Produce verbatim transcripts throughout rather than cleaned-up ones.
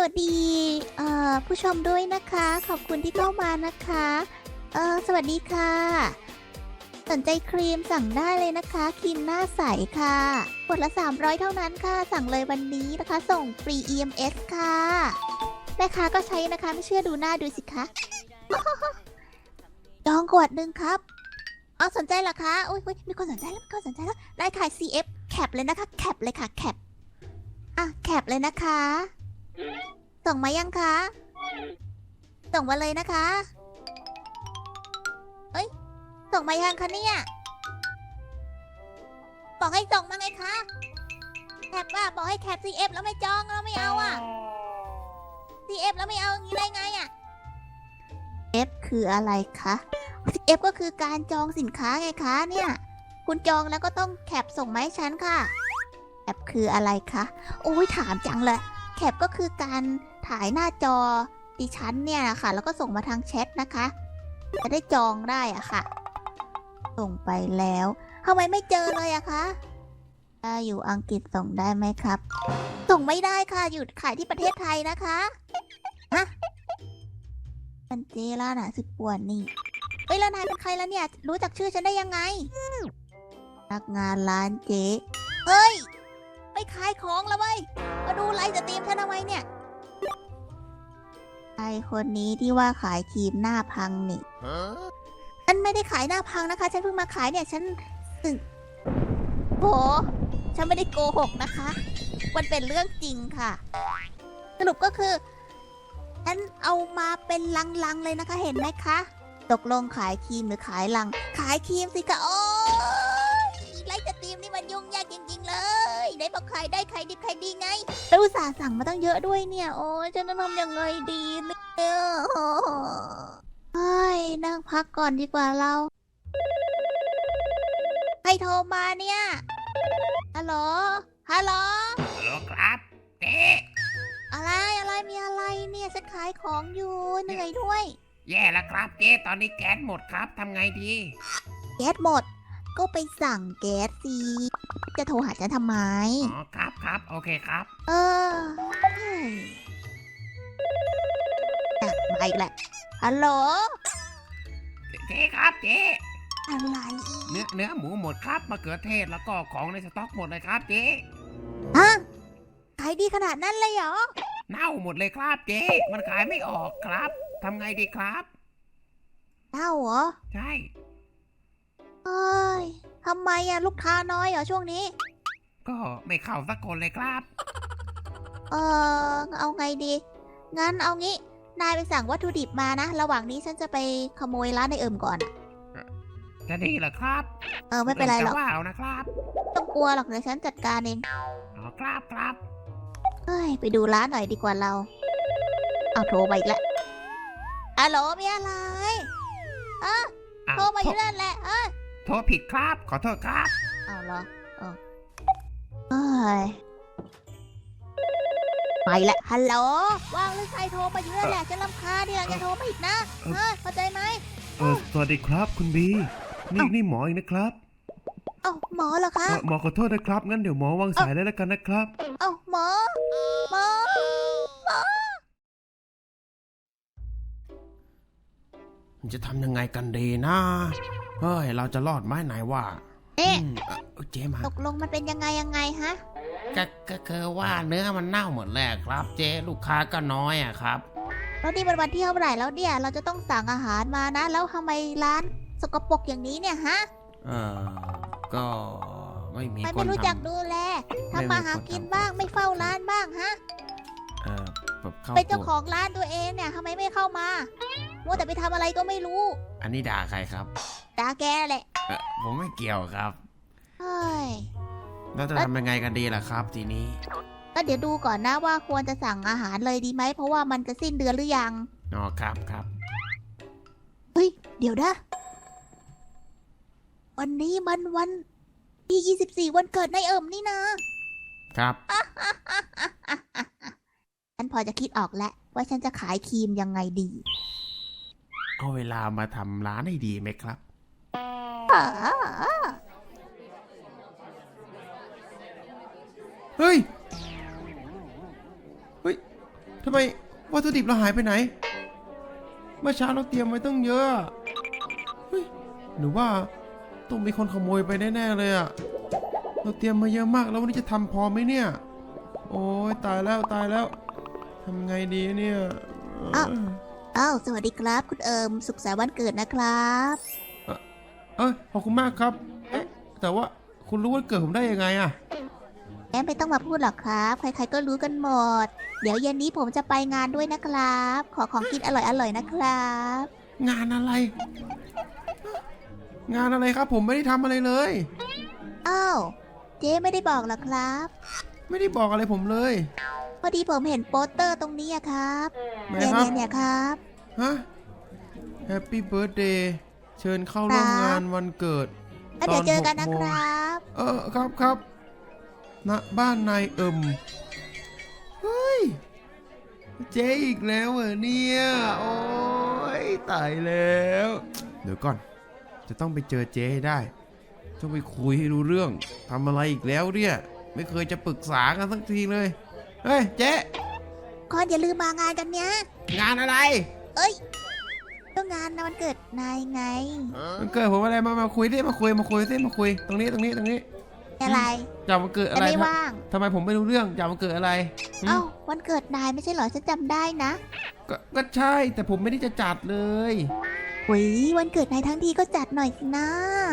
วัสดีเอ่อผู้ชมด้วยนะคะขอบคุณที่เข้ามานะคะเออสวัสดีค่ะสนใจครีมสั่งได้เลยนะคะครีมหน้าใสค่ะขวดละสามร้อยเท่านั้นค่ะสั่งเลยวันนี้นะคะส่งฟรี อี เอ็ม เอส ค่ะแม่ค้าก็ใช้นะคะไม่เชื่อดูหน้าดูสิคะ จองขวดหนึ่งครับอ๋อสนใจเหรอคะอุ้ยอุ้ยมีคนสนใจแล้วมีคนสนใจแล้วได้ค่ะ ซี เอฟ แคปเลยนะคะแคปเลยค่ะแคปอ่ะแคปเลยนะคะส่งมายังคะส่งมาเลยนะคะเอ้ยส่งมายังคะเนี่ยบอกให้ส่งมาไงคะแคปว่าบอกให้แคป ซี เอฟ แล้วไม่จองแล้วไม่เอาอ่ะ ซี เอฟ แล้วไม่เอาอย่างนี้ได้ไงอ่ะ F คืออะไรคะ F ก็คือการจองสินค้าไงคะเนี่ยคุณจองแล้วก็ต้องแคปส่งมาให้ฉันค่ะแคปคืออะไรคะโอ้ยถามจังเลยแคปก็คือการถ่ายหน้าจอดิฉันเนี่ยนะคะแล้วก็ส่งมาทางแชทนะคะจะได้จองได้อะค่ะส่งไปแล้วทำไมไม่เจอเลยอะคะถ้าอยู่อังกฤษส่งได้ไหมครับส่งไม่ได้ค่ะหยุดขายที่ประเทศไทยนะคะฮะมันเจล่าน่ะสิป่วนนี่เอ้ยแล้วนายเป็นใครแล้วเนี่ยรู้จักชื่อฉันได้ยังไงพนักงานร้านเจ๊เฮ้ยไปขายของแล้วเว้ยมาดูไลฟ์สตรีมฉันทำไมเนี่ยไอคนนี้ที่ว่าขายครีมหน้าพังนี่ฉันไม่ได้ขายหน้าพังนะคะฉันเพิ่งมาขายเนี่ยฉันสึกโหฉันไม่ได้โกหกนะคะมันเป็นเรื่องจริงค่ะสรุปก็คือฉันเอามาเป็นลังๆเลยนะคะเห็นไหมคะตกลงขายครีมหรือขายลังขายครีมสิคะโอ้ยไลฟ์สตรีมนี่มันยุ่งยากจริงๆเลยได้บอกขายได้ขายดีขายดีไงแล้วอุตส่าห์สั่งมาตั้งเยอะด้วยเนี่ยโอ้ยจะทำยังไงดีเนี่ยเฮ้ยนั่งพักก่อนดีกว่าเราใครโทรมาเนี่ยฮัลโหลฮัลโหลฮัลโหลครับเจ๊อะไรอะไรมีอะไรเนี่ยฉันขายของอยู่เหนื่อยด้วยแย่แล้วครับเจ๊ตอนนี้แก๊สหมดครับทำไงดีแก๊สหมด ก็ไปสั่งแก๊สสิจะโทรหาฉันทำไมอ๋อครับครับโอเคครับเออเฮ้ยอ่ะมาอีกแหละฮัลโหลเจ๊ครับเจ๊อะไรอีเนื้อก เนื้อหมูหมดครับมะเขือเทศแล้วก็ของในสต็อกหมดเลยครับเจ๊ฮะขายดีขนาดนั้นเลยเหรอเน่าหมดเลยครับเจ๊มันขายไม่ออกครับทำไงดีครับเล่าเหรอใช่เอ้ยทำไมอะลูกค้าน้อยเหรอช่วงนี้ก็ไม่เข้าสักคนเลยครับเออเอาไงดี งั้นเอางี้ นายไปสั่งวัตถุดิบมานะ ระหว่างนี้ฉันจะไปขโมยร้านในเอิมก่อนจะดีเหรอครับเออไม่เป็นไรหรอกจะว่าเอานะครับต้องกลัวหรอกเดี๋ยวฉันจัดการเองอ๋อครับครับเฮ้ย ไปดูร้านหน่อยดีกว่าเรา เอาโทรมาอีกแล้วฮัลโหลมีอะไรเอออ้าวโทรมาอยู่นั่นแหละ เออโทรผิดครับขอโทษครับเอาเหรอเออเอ้ยไปแหละฮัลโหลว่างหรือใครโทรมาอยู่นั่นแหละฉันรำคาญเนี่ยอย่าโทรมาอีกนะเออเข้าใจไหมเออสวัสดีครับคุณบีนี่เอ้านี่หมอเองนะครับเอ้าหมอเหรอคะเอ่อหมอขอโทษนะครับงั้นเดี๋ยวหมอวางสายเลยแล้วกันนะครับเอ้าหมอหมอหมอจะทำยังไงกันดีนะเฮ้ยเราจะรอดไหมไหนว่าเอ๊ะอืมเอ่อเจ๊มาตกลงมันเป็นยังไงยังไงฮะก็ก็คือว่าเนื้อมันเน่าหมดแล้วครับ เจ๊ลูกค้าก็น้อยอะครับแล้วนี่เป็นวันที่เท่าไหร่แล้วเนี่ย เราจะต้องสั่งอาหารมานะ แล้วทำไมร้านสกปรกอย่างนี้เนี่ยฮะเออก็ไม่มีไม่คไม่นรู้ทจักดูแลไม่มีทำมาหาคนกินทำบ้างไม่เฝ้าร้านบ้างฮะำเออแบบเข้าเป็นเจ้าตัวของร้านตัวเองเนี่ยทำไมไม่เข้ามามัวแต่ไปทำอะไรก็ไม่รู้อันนี้ด่าใครครับด่าแกแหละเออผมไม่เกี่ยวครับเฮ้ยแล้วจะทำยังไงกันดีล่ะครับ ทีนี้ก็เดี๋ยวดูก่อนนะว่าควรจะสั่งอาหารเลยดีไหม เพราะว่ามันจะสิ้นเดือนหรือยังอ๋อครับครับเฮ้ย เดี๋ยวนะ วันนี้มันวันที่ยี่สิบสี่วันเกิดนายเอิมนี่นะครับ ฉันพอจะคิดออกแล้วว่าฉันจะขายครีมยังไงดีเอาเวลามาทำร้านให้ดีไหมครับอ่าเฮ้ย เฮ้ยทำไมวัตถุดิบเราหายไปไหนเมื่อเช้าเราเตรียมไว้ตั้งเยอะเฮ้ยหรือว่าต้องมีคนขโมยไปแน่ๆเลยอะเราเตรียมมาเยอะมากแล้ววันนี้จะทำพอไหมเนี่ยโอ้ยตายแล้วตายแล้วทำไงดีเนี่ยอ้าว อ้าวสวัสดีครับ คุณเอิมสุขสันต์วันเกิดนะครับเอ้ยขอบคุณมากครับเอ๊ะแต่ว่าคุณรู้วันเกิดผมได้ยังไงอะแอมไม่ต้องมาพูดหรอกครับ ใครๆก็รู้กันหมด เดี๋ยวเย็นนี้ผมจะไปงานด้วยนะครับ ขอของกินอร่อยๆนะครับงานอะไร งานอะไรครับผมไม่ได้ทำอะไรเลยอ้าวเจ๊ไม่ได้บอกหรอครับไม่ได้บอกอะไรผมเลยพอดีผมเห็นโปสเตอร์ตรงนี้อะครับไหนเนี่ยครับเนี่ยเนี่ยครับฮะ Happy Birthday เชิญเข้าร่วมครับงานวันเกิดแล้วเดี๋ยวเจอกันนะตหคโมงรับเออครับครับณบ้านนายเอิมเฮ้ย เจ๊อีกแล้วเหรอเนี่ย โอ้ยตายแล้ว เดี๋ยวก่อน จะต้องไปเจอเจ๊ให้ได้ ต้องไปคุยให้รู้เรื่องทำอะไรอีกแล้วเนี่ย ไม่เคยจะปรึกษากันสักทีเลย เฮ้ยเจ๊ก่อนอย่าลืมมางานกันเนี้ยงานอะไรเอ้ยก็งานนะวันเกิดนายไงมันเกิดผมอะไรมามาคุยดิมาคุยมาคุยสิมาคุยตรงนี้ตรงนี้ตรงนี้อะไรจะมันเกิดแต่อะไรไม่ทำว่างทำไมผมไม่รู้เรื่องจะมันเกิดอะไรหืมเอ้าวันเกิดนายไม่ใช่เหรอฉันจำได้นะก็ก็ใช่แต่ผมไม่ได้จะจัดเลยหุยวันเกิดนายทั้งทีก็จัดหน่อยสินะ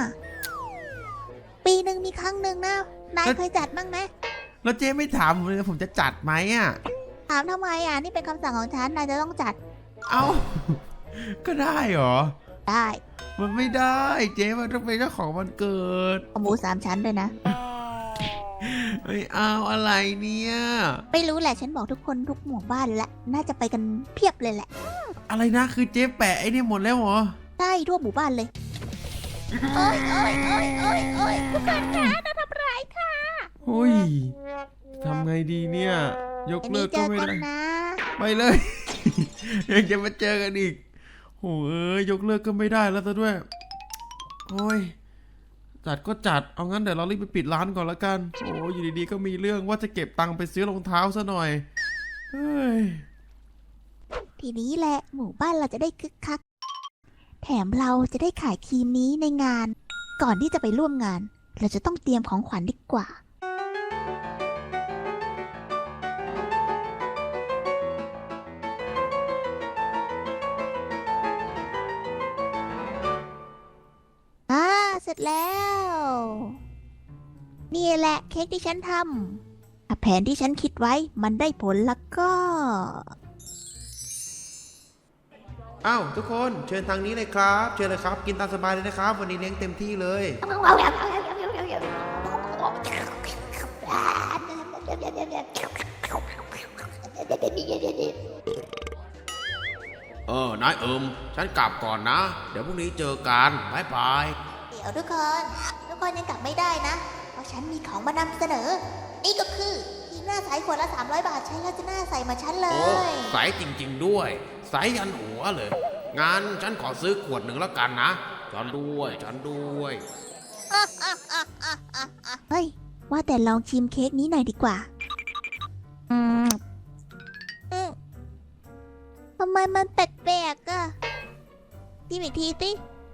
ปีหนึ่งมีครั้งหนึ่งนะ นายเคยจัดบ้างไหมแล้วเจ๊ไม่ถามผมเลยผมจะจัดไหมอ่ะถามทำไมอ่ะ นี่เป็นคำสั่งของฉัน นายจะต้องจัดเอ้า ก็ได้เหรอได้มันไม่ได้เจ๊มันต้องเป็นเจ้าของวันเกิดเอาหมูสามชั้นด้วยนะไม่เอาอะไรเนี่ยไม่รู้แหละฉันบอกทุกคนทุกหมู่บ้านแล้วน่าจะไปกันเพียบเลยแหละอะไรนะคือเจ๊แปะไอ้นี่หมดแล้วเหรอได้ทั่วหมู่บ้านเลยโอ้ยโอ้ยโอ้ยโอ้ยโอ้ยทุกคนคะน่าทำร้ายค่ะโอ้ยทำไงดีเนี่ย ยกอันเลินี้กเจก็อไม่กันได้นะไปเลย ยังจะมาเจอกันอีกโหเอ้ยยกเลิกก็ไม่ได้แล้วซะด้วย โอ้ย จัดก็จัด เอางั้นเดี๋ยวเรารีบไปปิดร้านก่อนละกัน โอ้ยอยู่ดีๆก็มีเรื่องว่าจะเก็บตังค์ไปซื้อรองเท้าซะหน่อย เฮ้ยทีนี้แหละหมู่บ้านเราจะได้คึกคัก แถมเราจะได้ขายครีมนี้ในงาน ก่อนที่จะไปร่วมงาน เราจะต้องเตรียมของขวัญดีกว่า อ่าเสร็จแล้ว นี่แหละเค้กที่ฉันทำถ้าแผนที่ฉันคิดไว้มันได้ผลแล้วก็อ้าวทุกคนเชิญทางนี้เลยครับ เชิญเลยครับ กินตามสบายเลยนะครับ วันนี้เลี้ยงเต็มที่เลย เออนายเอิมฉันกลับก่อนนะ เดี๋ยวพรุ่งนี้เจอกันบายบายเดี๋ยวทุกคน ทุกคนยังกลับไม่ได้นะ เพราะฉันมีของมานำเสนอ นี่ก็คือครีมหน้าใสขวดละสามร้อยบาทใช้แล้วจะหน้าใสเหมาฉันเลโอ้ยใสจริง ๆ ด้วย ใสยันหัวเลย งานฉันขอซื้อขวดหนึ่งแล้วกันนะ ฉันด้วย ฉันด้วยเฮ้ย ว่าแต่ลองชิมเค้กนี้หน่อยดีกว่า อืมอืมทำไมมันแปลกๆอะชิมอีกทีสิ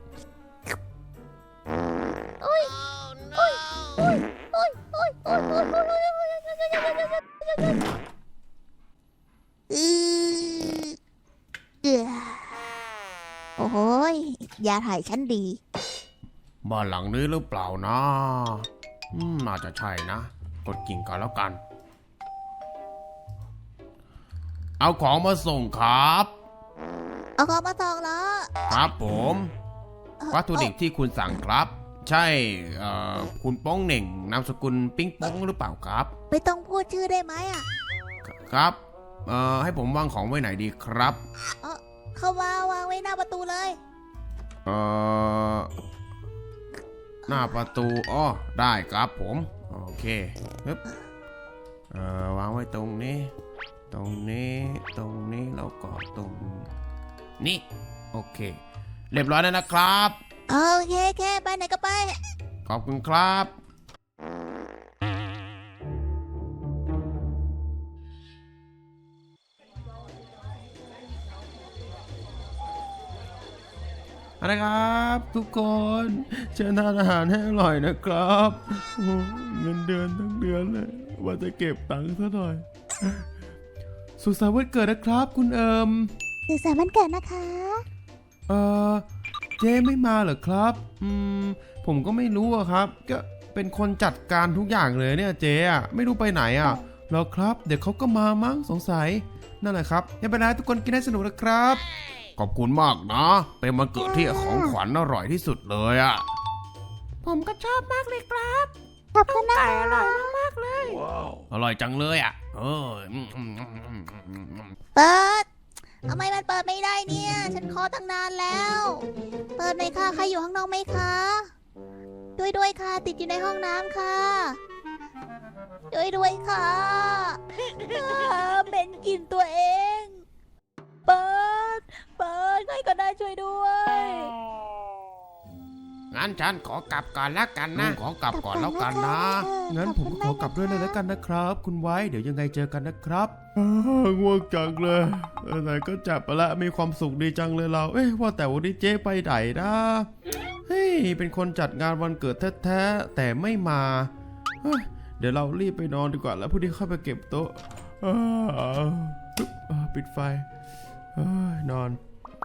อุ้ยอุ้ยอุ้ยอุ้ยอุ้ยอุ้ยอุ้ยอุ้ยอือเอือโอ้โหยยาถ่ายฉันดีบ้านหลังนี้หรือเปล่านะ อืมน่าจะใช่นะ กดกิ่งก่อนแล้วกัน เอาของมาส่งครับเอาของมาส่งแล้วครับผมเอ่อวัตถุดิบที่คุณสั่งครับ ใช่เอ่อคุณโป้องเหน่งนามสกุลปิ้งโป้งหรือเปล่าครับไม่ต้องพูดชื่อได้ไหมอ่ะครับเอ่อให้ผมวางของไว้ไหนดีครับเข้ามาวางไว้หน้าประตูเลยเอ่อหน้าประตูอ้อได้ครับผมโอเคปึ๊บเอ่อวางไว้ตรงนี้ ตรงนี้ตรงนี้แล้วก็ตรงนี้โอเค เรียบร้อยแล้วนะครับโอเคแค่ไปไหนก็ไปขอบคุณครับเอาละครับ ทุกคนเชิญทานอาหารให้อร่อยนะครับโอ้เงินเดือนทั้งเดือนเลยว่าจะเก็บตังค์ซะหน่อยสุขสันต์วันเกิดนะครับคุณเอิมสุขสันต์วันเกิดนะคะเออเจ๊ไม่มาเหรอครับอืมผมก็ไม่รู้อะครับก็เป็นคนจัดการทุกอย่างเลยเนี่ยเจ๊อะไม่รู้ไปไหนอะหรอครับเดี๋ยวเขาก็มามั้งสงสัยนั่นแหละครับยังเป็นไรทุกคนกินให้สนุกนะครับขอบคุณมากนะ เป็นวันเกิดที่ของขวัญอร่อยที่สุดเลยอะผมก็ชอบมากเลยครับขอบคุณนะคะอร่อยมากๆเลยอร่อยจังเลยอะเอออืมอืมอืมอืมอืมอืมเปิดทำไมมันเปิดไม่ได้เนี่ย ฉันขอตั้งนานแล้ว เปิดหน่อยค่ะ ใครอยู่ข้างนอกไหมคะ ด้วยด้วยค่ะ ติดอยู่ในห้องน้ำค่ะ ด้วยด้วยค่ะอ่าเป็นกลิ่นตัวเอง เปิด เปิดใครก็ได้ช่วยด้วยงั้นฉันขอกลับก่อนแล้วกันนะ ขอกลับก่อนแล้วกันนะงั้นผมขอกลับด้วยเลยแล้วกันนะครับ คุณไว้เดี๋ยวยังไงเจอกันนะครับง่วงจังเลยไหนก็จับไปละมีความสุขดีจังเลยเรา เอ๊ะว่าแต่วันนี้เจ๊ไปไหนนะเฮ้ยเป็นคนจัดงานวันเกิดแท้ๆแต่ไม่มาเฮ้ยเดี๋ยวเรารีบไปนอนดีกว่าแล้วพรุ่งนี้ค่อยไปเก็บโต๊ะอ่าอ่าปิดไฟเฮ้ยนอน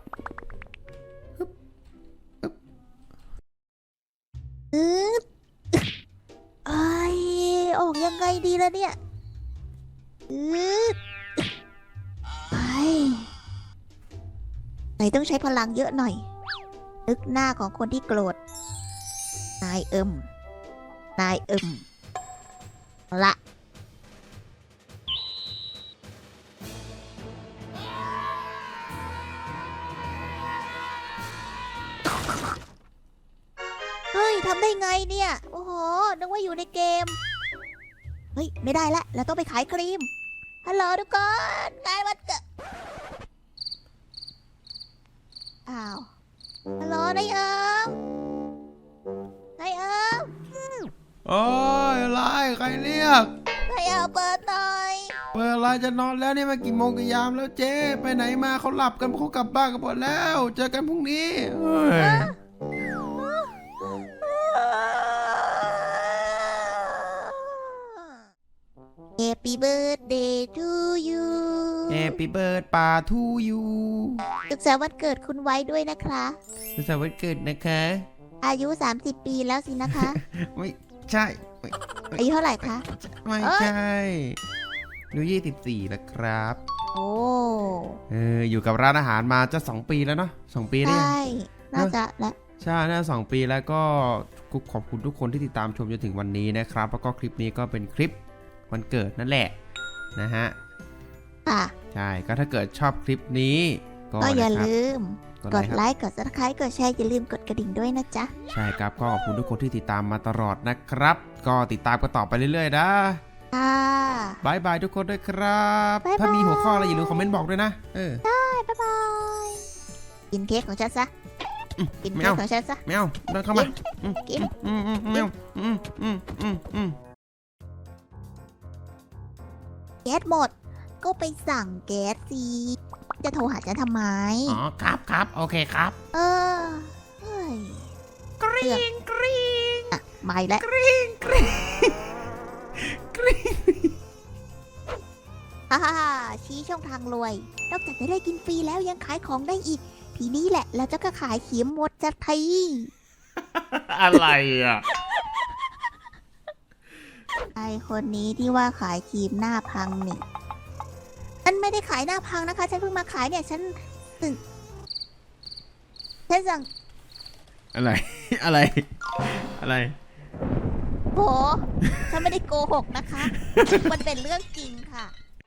อืดไอออกยังไงดีล่ะเนี่ยอืดไปไหนต้องใช้พลังเยอะหน่อย นึกหน้าของคนที่โกรธ นายเอิมนายเอิมละเฮ้ย ทำได้ไงเนี่ย โอ้โห นึกว่าอยู่ในเกม เฮ้ย ไม่ได้ละเราต้องไปขายครีม ฮัลโหลทุกคนงานวันเกิดอ้าว ฮัลโหลนายเอิมนายเอิมโอ้ยอะไรใครเรียกนายเอิมเปิดหน่อยเปิดอะไรจะนอนแล้วนี่มากี่โมงกี่ยามแล้วเจ๊ไปไหนมาเขาหลับกันเขากลับบ้านกันหมดแล้ว เจอกันพรุ่งนี้เฮ้ย Happy birthday to you แฮปปี้เบิร์ดป่าทูยูสุขสันต์วันเกิดคุณไว้ด้วยนะคะสุขสันต์วันเกิดนะคะอายุ สามสิบ ปีแล้วสินะคะไม่ใช่ไม่อายุเท่าไหร่คะไม่ใช่อายุยี่สิบสี่แล้วครับโอ้เอออยู่กับร้านอาหารมาจะสองปีแล้วเนาะสองปีใชได้ยัง่ น่าจะและใช่น่าสองปีแล้วก็ขอบคุณทุกคนที่ติดตามชมจนถึงวันนี้นะครับแล้วก็คลิปนี้ก็เป็นคลิปวันเกิดนั่นแหละนะฮะค่ะใช่ก็ถ้าเกิดชอบคลิปนี้ก็ก็อย่านะครับลืมกดกไลดค์ครับไลค์ กด ซับสไครบ์ กดแชร์ อย่าลืมกดกระดิ่งด้วยนะจ๊ะใช่ครับก็ขอบคุณทุกคนที่ติดตามมาตลอดนะครับ ก็ติดตามกันต่อไปเรื่อยๆนะค่ะบายบายทุกคนด้วยครับบ๊ายบายถ้ามีหัวข้ออะไรอย่าลืมคอมเมนต์บอกด้วยนะเออบ๊ายบาย กินเค้กของฉันซะ กินไม่เค้กเอาของฉันซะแมวเดินเข้ามากินอืมอืมแมวอืมอืมอืมอืมแก๊สหมด ก็ไปสั่งแก๊สสิจะโทรหาฉันทำไมอ๋อครับครับโอเคครับเออ เฮ้ยกรี๊งกรี๊งอ่ะไม่แล้วกรี๊งกรี๊งกรี๊งฮ่าฮ่าฮ่าชี้ช่องทางรวย นอกจากจะได้กินฟรีแล้วยังขายของได้อีก ทีนี้แหละเราจะก็ขายขีมหมดจากไทยอะไรอ่ะไอคนนี้ที่ว่าขายครีมหน้าพังนี่ฉันไม่ได้ขายหน้าพังนะคะ ฉันเพิ่งมาขายเนี่ย ฉันสั่งฉันสั่งอะไร อะไร อะไรโหฉันไม่ได้โกหกนะคะ มันเป็นเรื่องจริงค่ะ